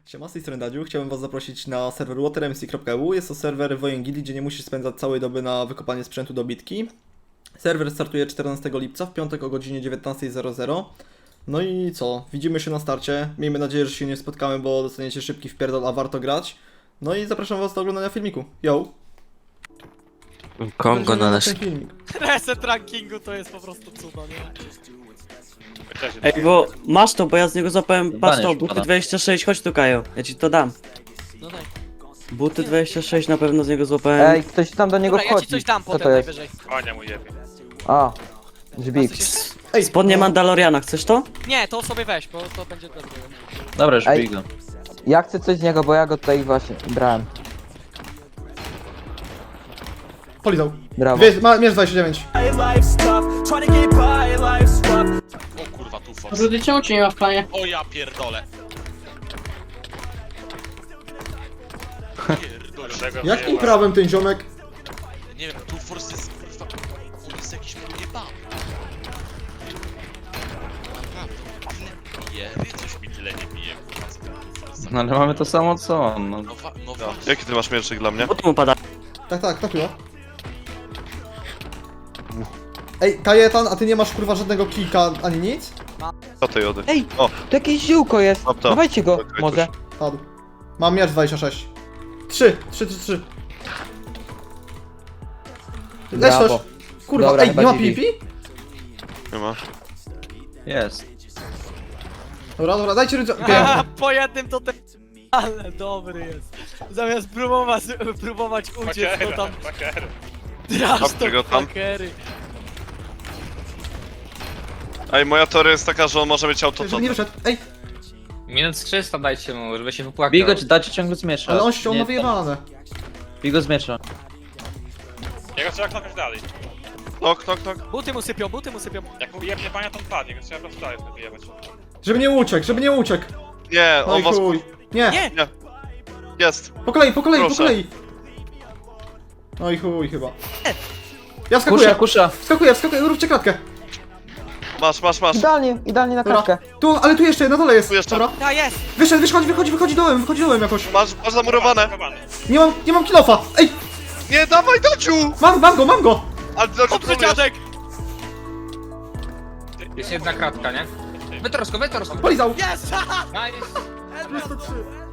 Siema, z tej strony Dadziu. Chciałbym was zaprosić na serwer watermc.eu. Jest to serwer Wojengili, gdzie nie musisz spędzać całej doby na wykopanie sprzętu do bitki. Serwer startuje 14 lipca, w piątek o godzinie 19:00. No i co? Widzimy się na starcie. Miejmy nadzieję, że się nie spotkamy, bo dostaniecie szybki wpierdol, a warto grać. No i zapraszam was do oglądania filmiku. Yo! Kongo na nasz... ten filmik. Reset rankingu to jest po prostu cudo, nie? Ej, bo masz to, bo ja z niego złapałem, patrz to, Baniesz, buty pada. 26, chodź tu Kajo, ja ci to dam. No daj. Buty 26 na pewno z niego złapałem. Ej, ktoś tam do niego Dobra, ja wchodzi. ci coś dam Co potem to jest? najwyżej. Konia mu jebie. A, dźbik. Ej, Spodnie no, Mandaloriana, chcesz to? Nie, to sobie weź, bo to będzie dobre. Dobra, już Ej. bij go. Ja chcę coś z niego, bo ja go tutaj właśnie brałem. polizał. Brawo. Mierz 29. O kurwa, tu force. Rudy, czemu cię nie ma w planie? O ja pierdolę. Pierdolę. Jakim prawem ten ziomek? Nie wiem, tu force jest kurwa... On jest jakiś pojebany. Naprawdę. Jery, coś mi tyle nie bije, kurwa, z tu force. No ale mamy to samo co on, no. Jaki ty masz mierszyk dla mnie? Buty mu pada. Tak, to chyba. Ej, Kajetan, a ty nie masz kurwa żadnego kilka ani nic? Co ty jody? Ej, O. to jakieś ziółko jest. Mam to. Dawajcie go, Czekaj, może. Padł. Mam miecz 26. 3. Leć Brawo. też. Kurwa, Dobra, ej, chyba nie ma dźwig. PvP? Nie ma. Jest. Dobra, dajcie rydza. Haha, po jednym to ten... Ale dobry jest. Zamiast próbować uciec, to tam... Trash Dobrze go to tam. fuckery. Ej, moja teoria jest taka, że on może mieć auto Żeby nie wyszedł. Ej, Minut 300 dajcie mu, żeby się wypłakał. Bij go, czy dacie ciągle z miecza. ale on się Nie, ma wyjebane. Bij go z miecza. Jego trzeba knokać dalej. Knok. Buty mu sypią, buty mu sypią. Jak mu jebnie pania, to on padnie, więc trzeba po prostu dalej wyjebać. Żeby nie uciekł. Nie, No on i was... chuj. Nie, Nie! Jest. po kolei. Proszę. No i chuj chyba. Ja wskakuję, Kusza. wskakuję, róbcie kratkę. Masz. Idealnie na Dobra. kratkę. Tu, ale tu jeszcze, na dole jest. Tu jeszcze. Dobra. Ta jest! Wychodzi dołem jakoś. Masz zamurowane. Nie mam kilofa. Ej, Nie, dawaj, Daciu! mam go. Ale Daciu, Dobrze, trolujesz. dziadek! Jest jedna kratka, nie? Wytrosko. Polizał. Jest! Haha! Nice. 303.